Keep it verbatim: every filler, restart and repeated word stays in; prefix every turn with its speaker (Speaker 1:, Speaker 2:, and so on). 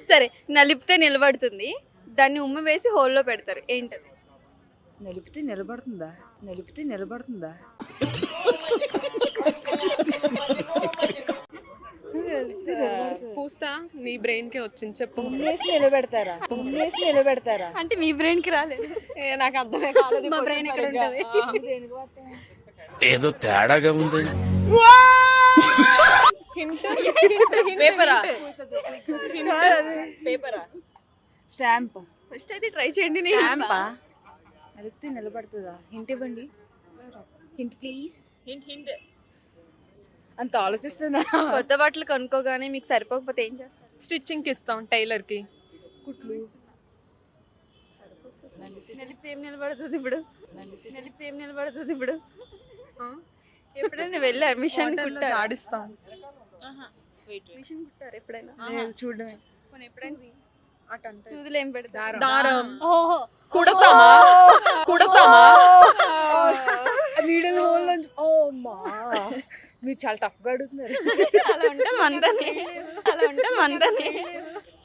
Speaker 1: సరే, నలిపితే నిలబడుతుంది, దాన్ని ఉమ్మ వేసి హోల్లో పెడతారు, ఏంటది?
Speaker 2: నిలిపితే నిలబడుతుందా నిలిపితే నిలబడుతుందా
Speaker 3: పూస్తా నీ బ్రెయిన్ కి వచ్చింది చెప్పు.
Speaker 2: ఉమ్మేసి నిలబెడతారా ఉమ్మేసి నిలబెడతారా
Speaker 1: అంటే మీ బ్రెయిన్ కి రాలేదు.
Speaker 3: ఏ, నాకు అర్థమే కాలేదు.
Speaker 1: మా brain ఇక్కడ ఉంటది.
Speaker 4: ఏదో తేడాగా ఉంది.
Speaker 3: హింట్
Speaker 2: స్టాంప్
Speaker 1: ఫస్ట్ అయితే ట్రై చేయండి.
Speaker 2: స్టాంపా నిలిపితే నిలబడుతుందా హింట్ ఇవ్వండి హింట్ ప్లీజ్ అంత ఆలోచిస్తున్నా
Speaker 1: కొత్త బట్టలు కొనుక్కోగానే మీకు సరిపోకపోతే ఏం చేస్తారు?
Speaker 3: స్టిచ్చింగ్ కి ఇస్తాం టైలర్ కి.
Speaker 2: కుట్లు
Speaker 1: నలిపితే ఏం నిలబడుతుంది ఇప్పుడు? నలిపితే ఏం నిలబడుతుంది ఇప్పుడు? ఎప్పుడైనా వెళ్ళారు మిషన్ కుట్టారు?
Speaker 3: ఆడిస్తాం.
Speaker 1: మిషన్ కుట్టారు ఎప్పుడైనా?
Speaker 2: లేదు, చూడడమే
Speaker 1: పోనీ ఎప్పుడైనా
Speaker 3: అటంటే
Speaker 1: సూదులు ఏం పెడతారు?
Speaker 3: దారం
Speaker 1: ఓహో,
Speaker 3: కుడతామా కుడతామా
Speaker 2: నీడల హోల్ నుంచి ఓ మా మీరు చాలా టఫ్గా అడుగుతున్నారు
Speaker 1: అలా ఉంటుంది మనతోనే, అలా ఉంటుంది మనతోనే.